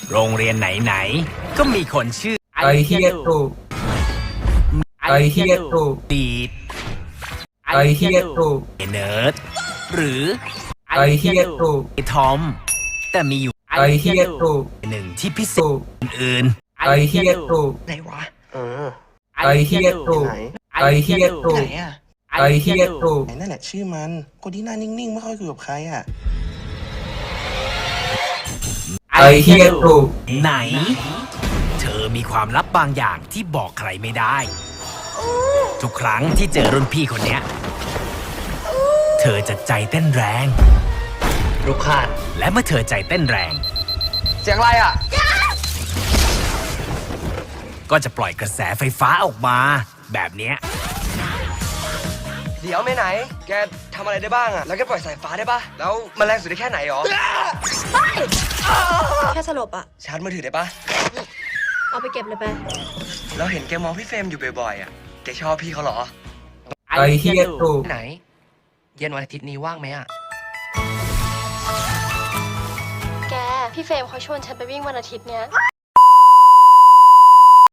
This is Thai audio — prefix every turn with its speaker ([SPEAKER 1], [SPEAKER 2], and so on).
[SPEAKER 1] โรงเรียนไหนๆก็มีคนชื่อ
[SPEAKER 2] ไอเฮียตูไอเฮียตู
[SPEAKER 1] ดีด
[SPEAKER 2] ไอเฮียตู
[SPEAKER 1] เนิร์ดหรือ
[SPEAKER 2] ไอเฮียตู
[SPEAKER 1] ไอทอม แต่มีอยู่
[SPEAKER 2] ไอเฮียตู
[SPEAKER 1] หนึ่งที่พิเศ
[SPEAKER 2] ตู
[SPEAKER 1] ษอื่น
[SPEAKER 2] ไอเฮียตู
[SPEAKER 3] ไหนวะ
[SPEAKER 2] ไอเฮียตู
[SPEAKER 3] ไหน
[SPEAKER 2] ไอเฮียตู
[SPEAKER 3] ไหนอ่ะ
[SPEAKER 2] ไอเฮียตู
[SPEAKER 3] ไหนนั่นแหละชื่อมันคนที่หน้านิ่งๆไม่ค่อยคุยกับใครอ่ะ
[SPEAKER 2] ไอเฮียตู
[SPEAKER 1] ไหน เธอมีความลับบางอย่างที่บอกใครไม่ได้ ทุกครั้งที่เจอรุ่นพี่คนเนี้ย เธอจะใจเต้นแรง
[SPEAKER 4] ลูกคาด
[SPEAKER 1] และเมื่อเธอใจเต้นแรง
[SPEAKER 4] เสียงอะไรอ่ะ
[SPEAKER 1] ก็จะปล่อยกระแสไฟฟ้าออกมา แบบเนี้ย
[SPEAKER 4] เดี๋ยวไม่ไหน แกทำอะไรได้บ้างอ่ะ แล้วแกปล่อยสายฟ้าได้ปะแล้วมันแรงสุดได้แค่ไหนหรอ
[SPEAKER 5] แค่สลบอะ
[SPEAKER 4] ชาร์จมือถือได้ปะ
[SPEAKER 5] เอาไปเก็บเลยไป
[SPEAKER 4] เราเห็นแกมองพี่เฟรมอยู่บ่อยๆอ่ะ แกชอบพี่เขาเหรอ
[SPEAKER 2] ไอเฮียตู
[SPEAKER 4] ไหน เย็นวันอาทิตย์นี้ว่างไหมอ่ะ
[SPEAKER 5] แก พี่เฟรมเขาชวนฉันไปวิ่งวันอาทิตย์เนี้ย